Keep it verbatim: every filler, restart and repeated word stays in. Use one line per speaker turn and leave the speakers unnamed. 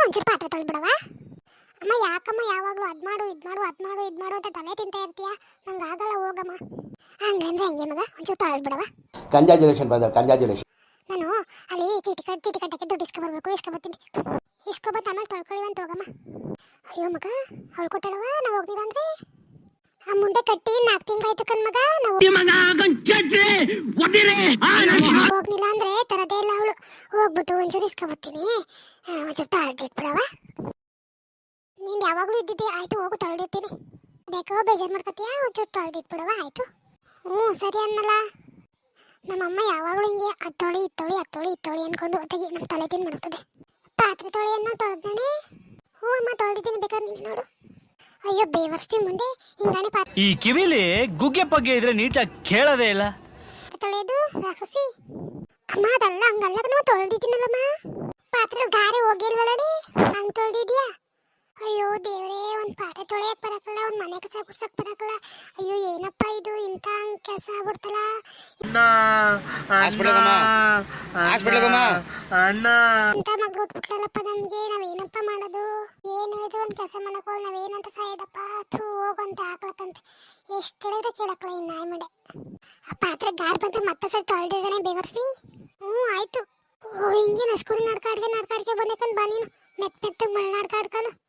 ಒಂಚೂರು ಪಾತ್ರೆ ತೊಳೆದ್ಬಿಡವ. ಅಮ್ಮ ಯಾಕಮ್ಮ ಯಾವಾಗಲೂ ಅದು ಮಾಡು ಇದು ಮಾಡು ಅದು ಮಾಡು ಇದು ಮಾಡು ಅಂತ ತಲೆ ತಿಂತಾ ಇರ್ತೀಯ, ನಂಗೆ ಆಗಲ್ಲ ಹೋಗಮ್ಮ. ಹಂಗಂದ್ರೆ ಹಂಗೆ ಮಗ, ಒಂಚೂರು ತೊಳೆದ್ಬಿಡವ.
Congratulation brother, congratulation.
ನಾನು ಅಲ್ಲಿ ಚೀಟಿ ಕಟ್ ಚೀಟಿ ಕಟ್ಟಕ್ಕೆ ದುಡ್ಡು ಇಸ್ಕೊಬರ್ಬೇಕು, ಇಸ್ಕೊಬತ್ತೀನಿ. ಇಸ್ಕೊಬತ್ತು ಆಮೇಲೆ ತೊಳ್ಕೊಳ್ಳಿವಂತ ಹೋಗಮ್ಮ. ಅಯ್ಯೋ ಮಗ ಹೊಳ್ಕೊಟ್ಟಳವ, ನಾವು ಹೋಗ್ಲಿಲ್ಲ ಅಂದ್ರೆ ಆ ಮುಂದೆ ಕಟ್ಟಿ ನಾಲ್ಕು ತಿಂಗಳಾಯ್ತು ಕಣ್ ಮಗ. ನಾವು ಹೋಗ್ಲಿಲ್ಲ ಅಂದ್ರೆ ತರದೇ ಇಲ್ಲ ಅವಳು. ಹೋಗ್ಬಿಟ್ಟು ಒಂಚೂರು ಇಸ್ಕೊಬತ್ತೀನಿ, ಒಂಚೂರು ತೊಳೆದಿಟ್ಬಿಡವ. ನೀನು ಯಾವಾಗಲೂ ಇದ್ದಿದ್ದೆ, ಆಯ್ತು ಹೋಗು ತೊಳೆದಿರ್ತೀನಿ. ಬೇಕೋ ಬೇಜಾರು ಮಾಡ್ಕೊತೀಯಾ, ಒಂಚೂರು ತೊಳೆದಿಟ್ಬಿಡವ ಆಯ್ತು. ಹ್ಞೂ ಸರಿ ಅನ್ನಲ್ಲ. ನಮ್ಮಮ್ಮ ಯಾವಾಗಲೂ ಹಿಂಗೆ ಅದು ತೊಳಿ ಇದು ತೊಳಿ ಅದು ತೊಳಿ ಇದು ತೊಳಿ ಅಂದ್ಕೊಂಡು ಹೊತ್ತಿಗೆ ನಮ್ಮ ತಲೆ ತಿಂದು ಮಾಡ್ತದೆ. ಪಾತ್ರೆ ತೊಳಿ ಅನ್ನೋ ತೊಳೆದಾನೆ. ಹ್ಞೂ ಅಮ್ಮ ತೊಳೆದಿದ್ದೀನಿ, ಬೇಕಾದ್ರೆ ನೀನು ನೋಡು. ಅಯ್ಯೋ ಬೇವರ್ಸ್ತಿ ಮುಂದೆ ಹಿಂಗಾಣಿ ಪಾತ್ರೆ
ಈ ಕಿವಿಲಿ ಗುಗ್ಗೆ ಪಗ್ಗೆ ಇದ್ರೆ ನೀಟಾಗಿ ಕೇಳೋದೇ ಇಲ್ಲ.
ತೊಳೆಯೋದು ರಾಕ್ಷಸಿ ಅಮ್ಮ, ಅದಲ್ಲ ಹಂಗಲ್ಲ ನಾವು ತೊಳೆದಿದ್ದೀನಲ್ಲಮ್ಮ. ಪಾತ್ರೆ ಗಾರೆ ಹೋಗಿಲ್ವಲ್ಲಡಿ, ಹಂಗೆ ತೊಳೆದಿದ್ಯಾ? ಅಯ್ಯೋ ದೇವ್ರೇ, ಒಂದು ಪಾತ್ರೆ ತೊಳೆಯಕ್ಕೆ ಬರಕಲ್ಲ, ಒಂದು ಮನೆ ಕಸ ಗುಡ್ಸಕ್ಕೆ ಬರಕಲ್ಲ. ಅಯ್ಯೋ ಏನಪ್ಪ ಇದು, ಇಂಥ ಕೆಲಸ ಆಗ್ಬಿಡ್ತಲ್ಲ. ಇಂಥ ಮಗಳು ಉಟ್ಬಿಟ್ಲಲ್ಲಪ್ಪ ನಮ್ಗೆ, ನಾವೇನಪ್ಪ ಮಾಡೋದು? ಏನ್ ಹೇಳಿದ್ರು ಒಂದು ಕೆಲಸ ಮಾಡಕ್ಕೋ, ನಾವೇನಂತ ಸಾಯೋದಪ್ಪ. ಥೂ ಹೋಗಂತ ಹಾಕ್ಲಕ್ಕಂತೆ ಎಷ್ಟು ಹೇಳಿದ್ರೆ ಕೇಳಕ್ಕಲ್ಲ ಈ ನಾಯಿ ಮಡೆ. ಆ ಪಾತ್ರೆ ಗಾರ್ ಬಂತ ಮತ್ತೆ ಸರಿ ತೊಳೆದಿದ್ದಾನೆ ಬೇವರ್ಸಿ. ಹ್ಞೂ ಆಯ್ತು. ಓ ಹಿಂಗೆ ನಸ್ಕೂರಿ ನಡ್ಕಾಡ್ಗೆ ನಡ್ಕಾಡ್ಗೆ ಬಂದೇಕಂದ್ ಬಾ ನೀನು, ಮೆತ್ತ ಮೆತ್ತಗೆ ಮಳೆ ನಡ್ಕಾಡ್ಕೊಂಡು.